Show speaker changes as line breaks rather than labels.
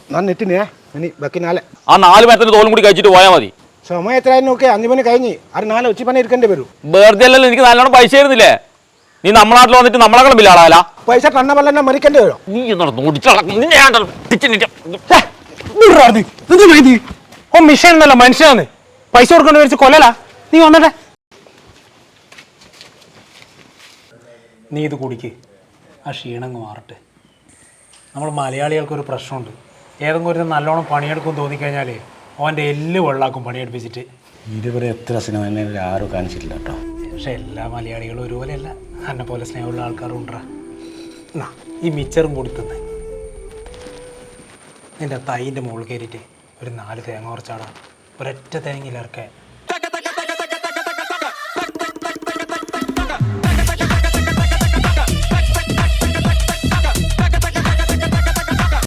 ഞാൻ നെറ്റിനെ ഇനി ബാക്കി നാളെ
ആ 4 പേരത്തിന്റെ തോലും കൂടി കഴിച്ചിട്ട് പോയാൽ മതി.
സമയം എത്രയായാലും നോക്കി 5 മണി കഴിഞ്ഞ് അത് 4 ഉച്ചപ്പണി എടുക്കേണ്ടി വരും.
വെറുതെ അല്ലല്ലോ, എനിക്ക് നല്ലോണം പൈസ തരുന്നില്ലേ? നീ നമ്മുടെ നാട്ടിൽ വന്നിട്ട് നമ്മളെ ബില്ലാളാല
പൈസ കണ്ണ പോലെ മരിക്കേണ്ടി വരും.
നീ
ഓ മിഷൻ എന്നല്ല മനുഷ്യനാണ്. പൈസ കൊടുക്കേണ്ടി വരിച്ച് കൊല്ലലാ. നീ വന്നട്ടെ, നീ ഇത് കുടിക്ക്, ആ ക്ഷീണങ്ങ് മാറട്ടെ. നമ്മൾ മലയാളികൾക്കൊരു പ്രശ്നമുണ്ട്. ഏതെങ്കിലും ഒരു നല്ലോണം പണിയെടുക്കും തോന്നിക്കഴിഞ്ഞാൽ അവൻ്റെ എല്ല് വെള്ളാക്കും പണിയെടുപ്പിച്ചിട്ട്.
ഇതുവരെ എത്ര സിനിമ ആരും കാണിച്ചിട്ടില്ല കേട്ടോ.
പക്ഷെ എല്ലാ മലയാളികളും ഒരുപോലെയല്ല. എന്നെ പോലെ സ്നേഹമുള്ള ആൾക്കാരും ഉണ്ടാ. എന്നാ ഈ മിച്ചറും കൂടി തിന്ന് നിൻ്റെ തൈൻ്റെ മുകളിൽ കയറിയിട്ട് ഒരു 4 തേങ്ങ കുറച്ചാടാ. ഒരൊറ്റ തേങ്ങയിലിറക്കെ